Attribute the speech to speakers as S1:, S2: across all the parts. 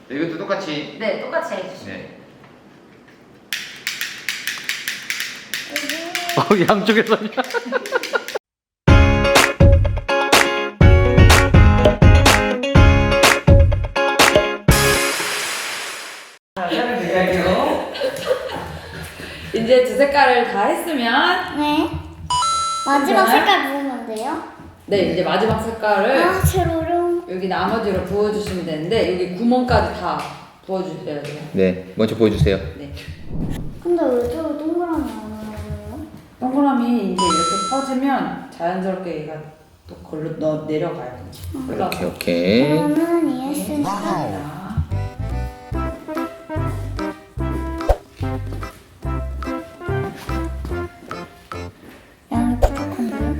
S1: 이것도 똑같이.
S2: 네, 똑같이 해주시면 돼요.
S1: 네.
S3: 양쪽에서.
S2: 이제 두 색깔을 다 했으면
S4: 네. 마지막
S2: 그다음?
S4: 색깔 부으면 돼요?
S2: 네, 이제 마지막 색깔을
S4: 아, 제일 어려운.
S2: 여기 나머지로 부어주시면 되는데 여기 구멍까지 다 부어주셔야 돼요.
S1: 네, 먼저 보여주세요.
S2: 네.
S4: 근데 왜 저 동그라미 안 나와요?
S2: 동그라미 이제 이렇게 퍼지면 자연스럽게 얘가 또 걸로 내려가요. 올라가요.
S1: 오케이.
S4: 그러면 이해했으니까.
S2: 자,
S4: 양이 부족한데요?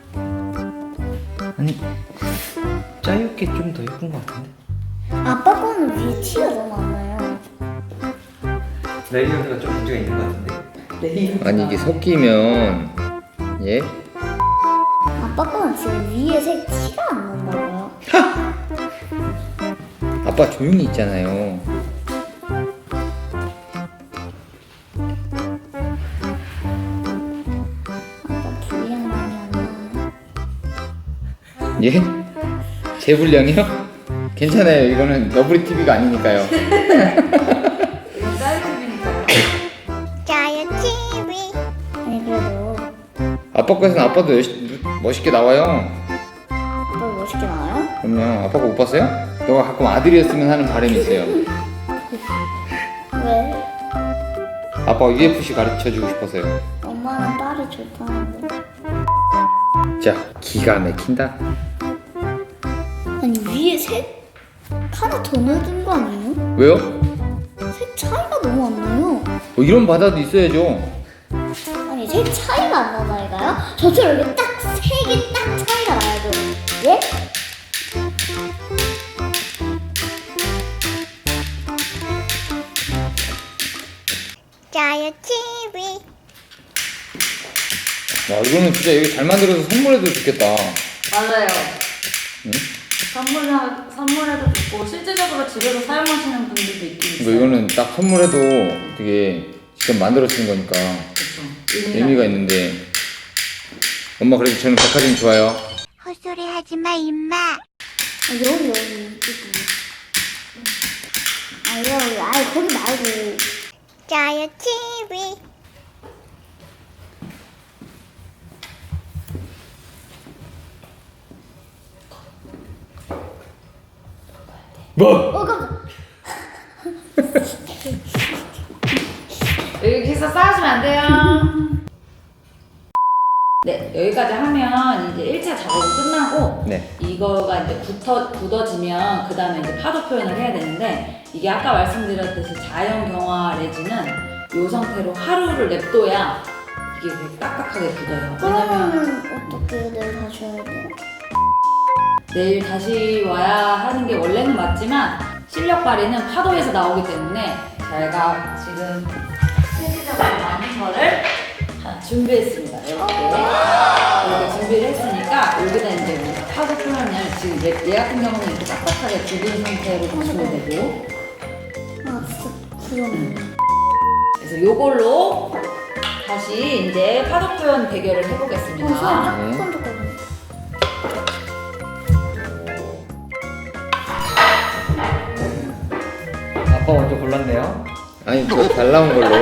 S3: 아니, 짜옅게 좀 더 예쁜 것 같은데.
S4: 아빠 거는 위에 티가 너무 안 나요.
S3: 레이어드가 좀 문제가 있는 것 같은데.
S2: 레이어드가.
S1: 아니 이게 섞이면 예?
S4: 아빠 거는 지금 위에 색 티가 안 난다고요?
S1: 아빠 조용히 있잖아요.
S4: 아빠 분량 많이 안 나와요.
S1: 예? 제 분량이요? 괜찮아요. 이거는 너브리 TV가 아니니까요.
S2: 이건 쌀집이니까요.
S4: 짜요 TV. 아니 그래도
S1: 아빠 거에서는 아빠도 멋있게 나와요.
S4: 아빠 멋있게 나와요?
S1: 그럼요. 아빠가 못 봤어요? 너가 가끔 아들이었으면 하는 바람이 있어요.
S4: 왜?
S1: 아빠가 UFC 가르쳐주고 싶어서요.
S4: 엄마는 딸이 좋다는데.
S1: 자, 기가 막힌다.
S4: 아니 위에 색 하나 더 넣어준 거 아니에요?
S1: 왜요?
S4: 색 차이가 너무 안 나요.
S1: 뭐 이런 바다도 있어야죠.
S4: 아니 색 차이가 안 나다니까요? 저처럼 이렇게 딱 색이 딱 차이가 나야죠. 예? 짜요 TV.
S1: 와, 이거는 진짜 여기 잘 만들어서 선물해도 좋겠다.
S2: 맞아요.
S1: 응?
S2: 선물해도 좋고 실제적으로 집에서 사용하시는 분들도 있긴 있어요.
S1: 이거는 딱 선물해도 되게 직접 만들어 쓰는 거니까
S2: 그렇죠.
S1: 의미가 있는데. 엄마 그래도 저는 백화점 좋아요.
S4: 헛소리 하지 마, 임마. 여기 이쪽이. 여기, 거기 말고. 짜요 TV.
S1: 뭐?
S4: 깜짝.
S2: 여기 해서 싸우시면 안 돼요. 네, 여기까지 하면 이제 1차 작업은 끝나고
S1: 네.
S2: 이거가 이제 굳어지면 그 다음에 이제 파도 표현을 해야 되는데 이게 아까 말씀드렸듯이 자연 경화 레진은 이 상태로 하루를 냅둬야 이게 되게 딱딱하게 굳어요. 왜냐면
S4: 그러면 어떻게 내일 다시 해야 돼요?
S2: 내일 다시 와야 하는 게 원래는 맞지만 실력 발휘는 파도에서 나오기 때문에 제가 지금 실질적으로 많은 거를 준비했습니다. 이렇게 준비를 했으니까 여기다 이제 우리가 파도 표현을 지금 얘 같은 경우는 이렇게 딱딱하게 굳은 상태로 붙이면 되고
S4: 아, 진짜 그러네.
S2: 그래서 요걸로 다시 이제 파도 표현 대결을 해보겠습니다.
S1: 네.
S4: 쫀득쫀득거리네.
S3: 아빠 먼저 골랐네요.
S1: 아니 저 잘 나온 걸로.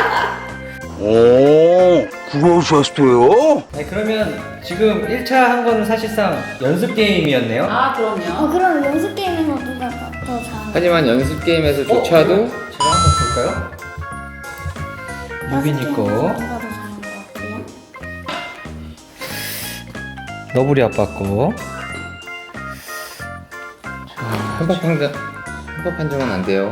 S5: 오, 그러셨어요?
S3: 아니, 그러면 지금 1차 한 거는 사실상 연습 게임이었네요.
S2: 아 그럼요.
S4: 그럼 연습 게임에서 누가 더 잘하나?
S1: 하지만 연습 게임에서조차도
S3: 제가 한번 볼까요? 유빈이 거,
S4: 누가 더 잘하는 것 같아요?
S3: 너구리 아빠 거.
S1: 편법 판정은 안 돼요.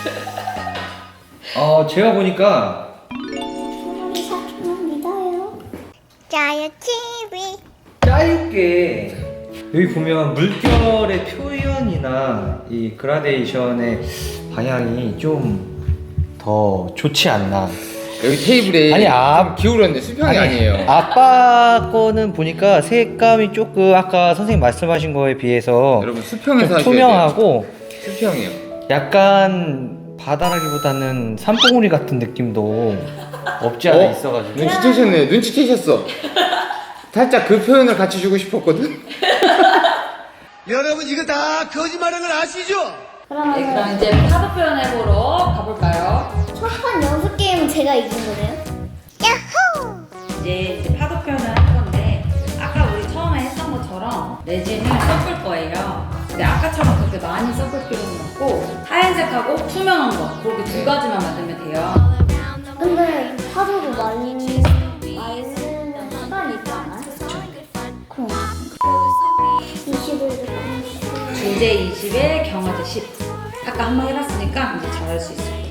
S3: 제가 보니까
S4: 우리 사촌은 믿어요. 짜요 TV.
S3: 짜옅게 여기 보면 물결의 표현이나 이 그라데이션의 방향이 좀 더 좋지 않나.
S1: 여기 테이블에
S3: 아니,
S1: 좀 기울었는데 수평이 아니에요.
S3: 아빠 거는 보니까 색감이 조금 아까 선생님 말씀하신 거에 비해서
S1: 여러분 수평에서
S3: 좀
S1: 하셔야
S3: 투명하고
S1: 돼요. 수평이에요.
S3: 약간 바다라기보다는 산봉우리 같은 느낌도 없지 않아 있어가지고.
S1: 눈치채셨네. 눈치채셨어. 살짝 그 표현을 같이 주고 싶었거든.
S5: 여러분 이거 다 거짓말인 걸 아시죠?
S2: 네,
S4: 그러면
S2: 그럼 이제 파도 표현 해보러 가볼까요?
S4: 첫 판 연습 게임은 제가 이긴 거네요? 야호!
S2: 이제 파도 표현을 할 건데 아까 우리 처음에 했던 것처럼 레진을 섞을 거예요. 근데 아까처럼 그렇게 많이 섞을 필요는 없고 하얀색하고 투명한 거 그렇게 두 가지만 만들면 돼요.
S4: 근데 파도도 말리는 시간이 있지 않아요? 그럼 20을
S2: 주제 20에 경화제 10. 아까 한 번 해봤으니까 이제 잘할 수 있어요.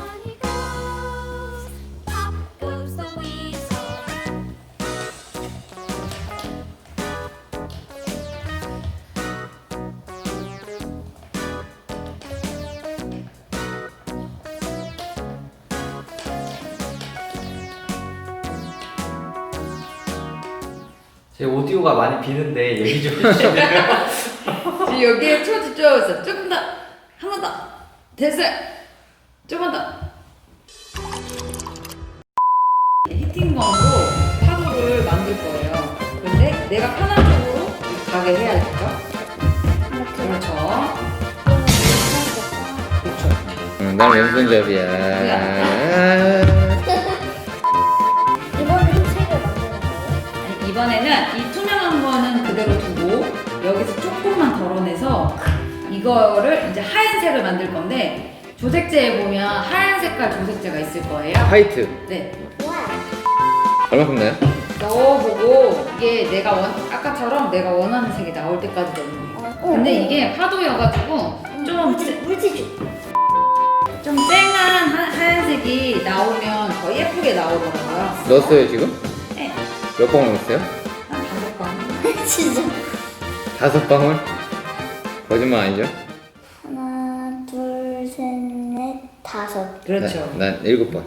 S3: 제 오디오가 많이 비는데 얘기 좀 해주세요.
S2: 지금 여기에 초집중하고 조금 더, 한 번 더. 됐어요. 조금 더. 히팅건으로 파도를 만들 거예요. 근데 내가 편한 쪽으로 가게 해야겠죠? 그렇죠. 그렇죠.
S1: 난 왼손잡이야.
S4: 이번에 색을 만드는 거예요?
S2: 아니, 이번에는 이 투명한 거는 그대로 두고 여기서 조금만 덜어내서 이거를 이제 하얀색을 만들 건데 조색제에 보면 하얀 색깔 조색제가 있을 거예요.
S1: 화이트.
S2: 네.
S4: 와!
S1: 얼마큼 나요?
S2: 넣어보고 이게 내가 아까처럼 내가 원하는 색이 나올 때까지 넣는 거예요. 근데 이게 파도여가지고 좀 쨍한 하얀색이 나오면 더 예쁘게 나오더라고요.
S1: 넣었어요 지금?
S2: 네.
S1: 몇 방울 넣었어요?
S2: 한 5방.
S4: 진짜
S1: 5방울? 거짓말 아니죠?
S4: 하나, 둘, 셋, 넷, 5.
S2: 그렇죠.
S1: 난 7번.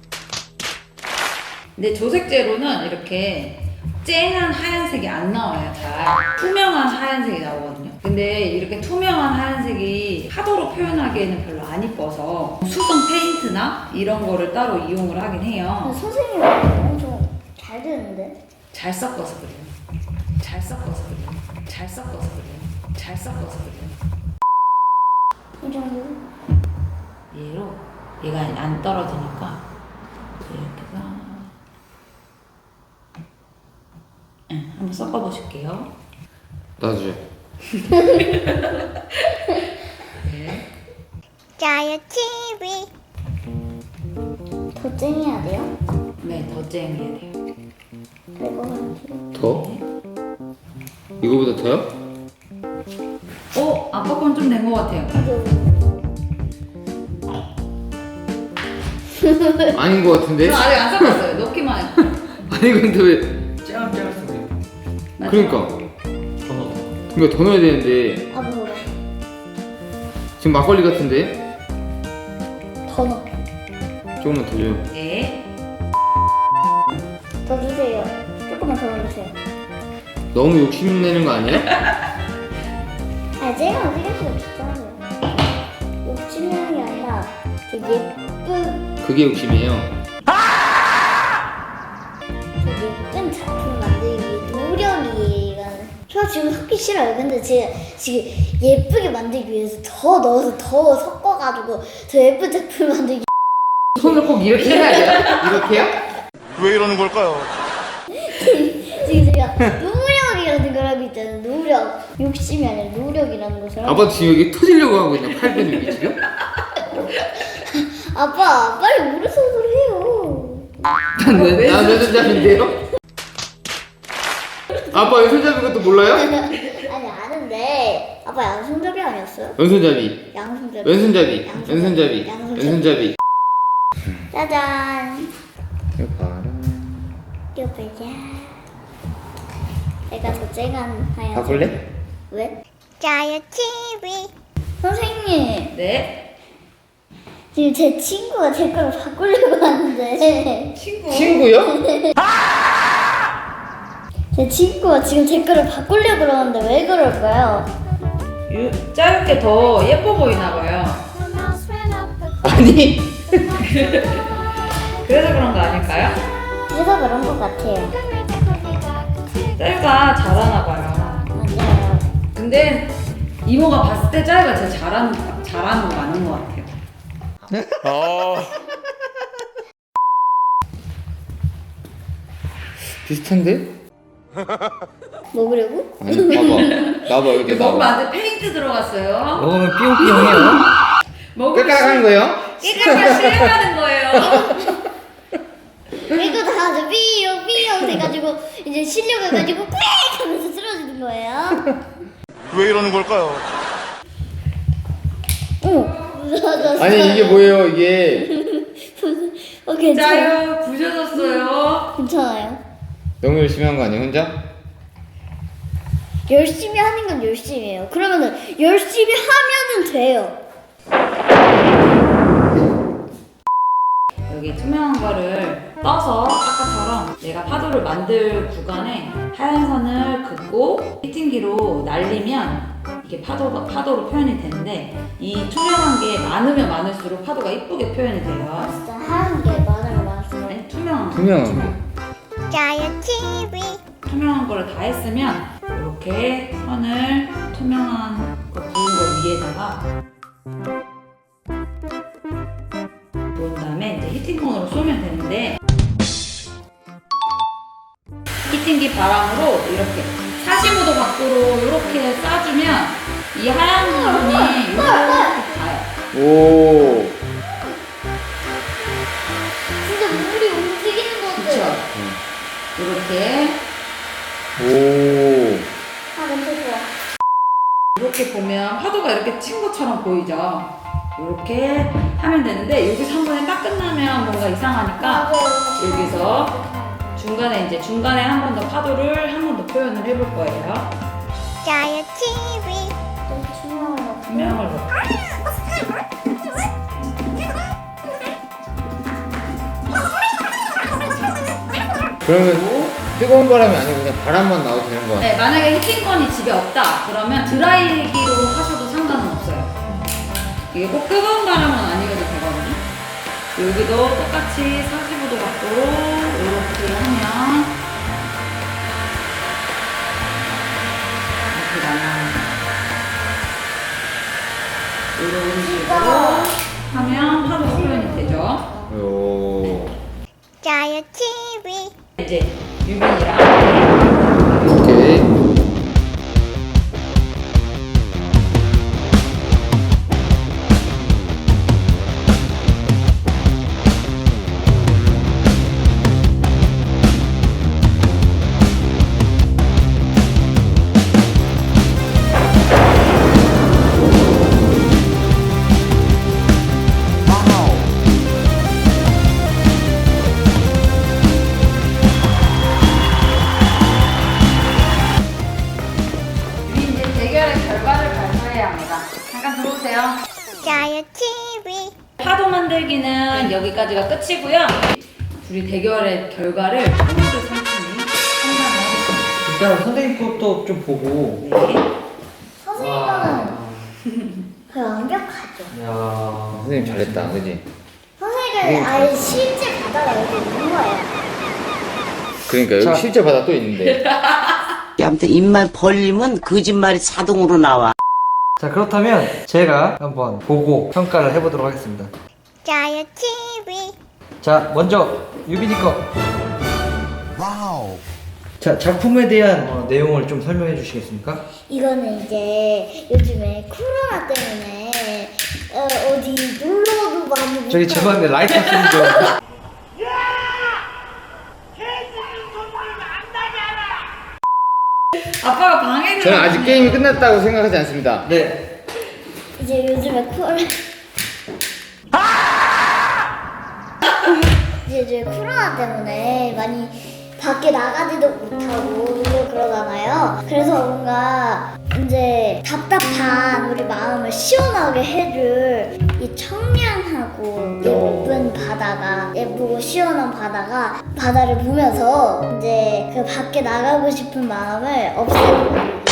S2: 근데 조색제로는 이렇게 쨍한 하얀색이 안 나와요. 잘 투명한 하얀색이 나오거든요. 근데 이렇게 투명한 하얀색이 파도로 표현하기에는 별로 안 이뻐서 수성 페인트나 이런 거를 따로 이용을 하긴 해요.
S4: 선생님이 엄청 잘 되는데?
S2: 잘 섞어서 그래요. 잘 섞어서 그래요. 잘 섞어서 그래요. 잘 섞어서 그래요.
S4: 이 정도?
S2: 얘로 얘가 안 떨어지니까 이렇게가 한번 섞어보실게요.
S1: 놔주죠.
S2: 네.
S4: 짜요 TV. 더 쨍해야 돼요?
S2: 네, 더 쨍해야 돼요.
S4: 그리고 한
S1: 더? 이거보다 더요?
S2: 아빠 건 좀 된 것 같아요.
S1: 아닌 것 같은데?
S2: 저 아직 안 섞었어요. 넣기만 해요.
S1: 아니 근데 왜?
S3: 쨍쨍 소리.
S1: 그러니까
S3: 더 넣어.
S1: 그러니까 더 넣어야 되는데
S4: 아 뭐라?
S1: 지금 막걸리 같은데?
S4: 더 넣어.
S1: 조금만 더 줘요.
S2: 네.
S4: 더 주세요. 조금만 더 넣으세요.
S1: 너무 욕심내는 거 아니야?
S4: 아 제가 어떻게 할수 없잖아요. 욕심이 아니라 되게 예쁜
S1: 그게 욕심이에요.
S4: 예쁜 작품 만들기 위해 노력이라는. 저 지금 섞기 싫어요. 근데 제가 지금 예쁘게 만들기 위해서 더 넣어서 더 섞어가지고 더 예쁜 작품 만들기.
S1: 손을 꼭 이렇게 해야 돼요? 이렇게요?
S5: 왜 이러는 걸까요?
S4: 지금 제가 노력이라는 걸 하고 있잖아요. 노력. 욕심이 아니라 노력이라는 것을 하고.
S1: 아빠 지금 여기 터지려고 하고 있나? 팔 근육이 지금?
S4: 아빠 빨리 오른손으로 해요.
S1: 난 왼손잡이인데요? 아빠 왼손잡이 것도 몰라요?
S4: 아니 아는데 아빠 양손잡이 아니었어요?
S1: 왼손잡이
S4: 양손잡이.
S1: 왼손잡이
S4: 양손잡이.
S1: 왼손잡이
S4: 양손잡이.
S1: 왼손잡이
S4: 짜잔.
S1: 이거 봐라.
S4: 이거 보자. 내가 더 쨍한 하얀.
S1: 바꿀래?
S4: 왜? 짜요 TV. 선생님,
S2: 네.
S4: 지금 제 친구가 제 거를 바꾸려고 하는데.
S1: 친구요?
S4: 제 친구가 지금 제 거를 바꾸려고 그러는데 왜 그럴까요?
S2: 짧게 더 예뻐 보이나 봐요.
S1: 아니
S2: 그래서 그런 거 아닐까요?
S4: 그래서 그런 것 같아요.
S2: 짤가 잘하나 봐요.
S4: 맞아요.
S2: 근데 이모가 봤을 때 짤가 제일 잘하는 거 맞는 것 같아요.
S1: 비슷한데?
S4: 먹으려고?
S1: 아니 봐봐 나봐 이렇게
S2: 먹으면
S1: 나봐
S2: 안에 페인트 들어갔어요.
S3: 먹으면 삐용삐용해요.
S2: 먹으면
S1: 깔깔하는 거예요?
S2: 깨끗하게 실행하는 거예요.
S4: 이거 다 아주 삐용 돼가지고 이제 실려가가지고 빽 하면서 쓰러지는 거예요.
S5: 왜 이러는 걸까요?
S4: 무서워졌어요.
S1: 아니 이게 뭐예요 이게
S4: 괜찮아요.
S2: 짜요 부셔졌어요.
S4: 괜찮아요.
S1: 너무 열심히 한 거 아니에요 혼자?
S4: 열심히 하는 건 열심히 해요. 그러면은 열심히 하면은 돼요.
S2: 여기 투명한 거를 떠서 아까처럼 내가 파도를 만들 구간에 하얀 선을 긋고 히팅기로 날리면 이게 파도로 표현이 되는데 이 투명한 게 많으면 많을수록 파도가 이쁘게 표현이 돼요.
S4: 진짜 하얀 게 많으면 많았어요.
S2: 아니 투명한 거.
S1: 투명한 거
S4: 짜요 TV.
S2: 투명한 거를 다 했으면 이렇게 선을 투명한 거 부은 거 위에다가 놓은 다음에 이제 히팅건으로 쏘면 되는데 히팅기 바람으로 이렇게 45도 각도로 이렇게 쏴주면 이 하얀 부분이 이렇게 가요.
S1: 오
S4: 진짜 물이 움직이는 것
S2: 그쵸?
S4: 같아요.
S2: 이렇게
S1: 오.
S4: 아, 냄새 좋아.
S2: 이렇게 보면 파도가 이렇게 친 것처럼 보이죠? 이렇게 하면 되는데 여기서 한 번에 딱 끝나면 뭔가 이상하니까 여기서 중간에 한 번 더 파도를 한 번 더 표현을 해볼 거예요.
S4: 짜요 TV. 좀 투명한
S2: 투명을 넣고
S1: 그러면 뜨거운 바람이 아니고 그냥 바람만 나와도 되는 거야?
S2: 네, 만약에 히팅건이 집에 없다 그러면 드라이기로 하셔도 상관은 없어요. 이게 꼭 뜨거운 바람은 아니어도 되거든요. 여기도 똑같이 45도 각도로 이렇게 하면 이렇게 나와요. 이런 식으로 하면 파도 표현이 되죠.
S1: 오.
S4: 짜요 TV.
S2: 이제 유빈이랑
S1: 오케이.
S2: 유빈 이제 대결의 결과를 발표해야 합니다. 잠깐 들어오세요.
S4: 짜요 TV.
S2: 파도 만들기는 여기까지가 끝이고요. 둘이 대결의 결과를 오늘의 삼촌이 상상을 하겠습니다.
S3: 일단 선생님 것도 좀 보고.
S2: 네.
S4: 선생님 거는 거의 완벽하죠.
S3: 야.
S1: 선생님 잘했다, 그지?
S4: 선생님은 아예 실제 바다가 여기 있는 거예요.
S1: 그러니까 여기
S3: 자.
S1: 실제 바다 또 있는데.
S6: 아무튼 입만 벌리면 거짓말이 자동으로 나와.
S3: 자, 그렇다면 제가 한번 보고 평가를 해보도록 하겠습니다.
S4: 짜요 TV.
S3: 자, 먼저 유빈이 거.
S5: 와우.
S3: 자, 작품에 대한 내용을 좀 설명해 주시겠습니까?
S4: 이거는 이제 요즘에 코로나 때문에 어디 놀러도 많이 못
S3: 저기
S4: 가고.
S3: 죄송한데 라이터 소리 좀.
S2: 아빠가 방해를
S1: 저는 아직
S2: 하시네요.
S1: 게임이 끝났다고 생각하지 않습니다.
S3: 네.
S4: 이제 요즘에 이제 코로나 때문에 많이 밖에 나가지도 못하고 그러잖아요. 그래서 뭔가 이제 답답한 우리 마음을 시원하게 해줄 이 청량하고 예쁜 바다가 예쁘고 시원한 바다를 보면서 이제 그 밖에 나가고 싶은 마음을 없애고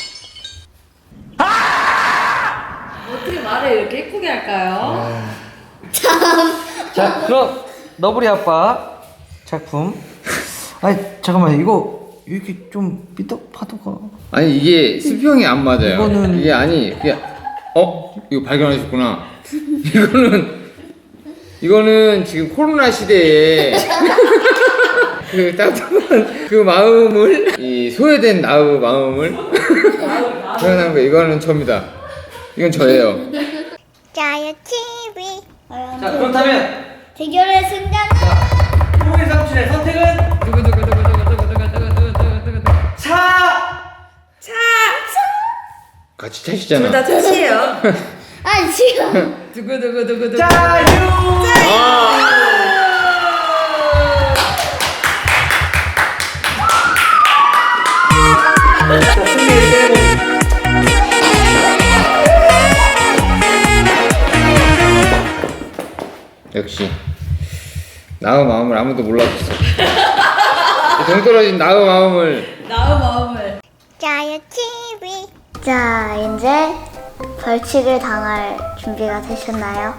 S2: 어떻게 말을 이렇게 예쁘게 할까요?
S3: 자, 그럼 너브리 아빠 작품. 아니 잠깐만, 이거 이렇게 좀 삐딱파도가.
S1: 아니 이게 수평이 안 맞아요.
S3: 이거는-
S1: 이게 아니 그게 이거 발견하셨구나. 이거는 지금 코로나 시대에 그 따뜻한 그 마음을 이 소외된 나의 마음을 표현한 거. 이거는 저입니다. 이건 저예요.
S4: 짜요 TV.
S3: 자, 그렇다면
S4: 대결의 승자는
S3: 프로의 삼촌의 선택은
S1: 같이 차시잖아.
S2: 끝이에요.
S4: 아니 지금
S2: 두구두구두구두구.
S1: 역시 나의 마음을 아무도 몰라줬어. 동떨어진 나의 마음을.
S2: 나의 마음을.
S4: 짜요 TV. 자 이제 벌칙을 당할 준비가 되셨나요?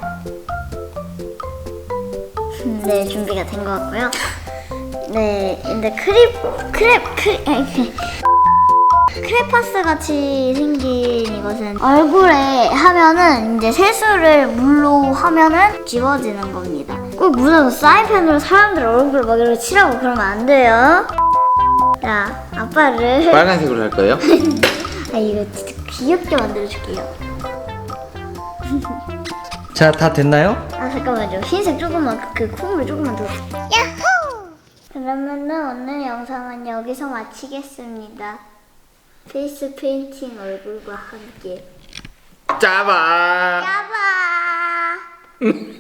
S4: 네, 준비가 된 것 같고요. 네, 근데 크레파스 같이 생긴 이것은 얼굴에 하면은 이제 세수를 물로 하면은 지워지는 겁니다. 꼭 무슨 사인펜으로 사람들 얼굴 막 이렇게 칠하고 그러면 안 돼요. 자, 아빠를
S1: 빨간색으로 할 거예요?
S4: 아 이거 진짜 귀엽게 만들어줄게요.
S3: 자, 다 됐나요?
S4: 아 잠깐만요. 흰색 조금만 그 콧물 조금만 더. 야호! 그러면은 오늘 영상은 여기서 마치겠습니다. 페이스 페인팅 얼굴과 함께.
S1: 짜봐.
S4: 짜바.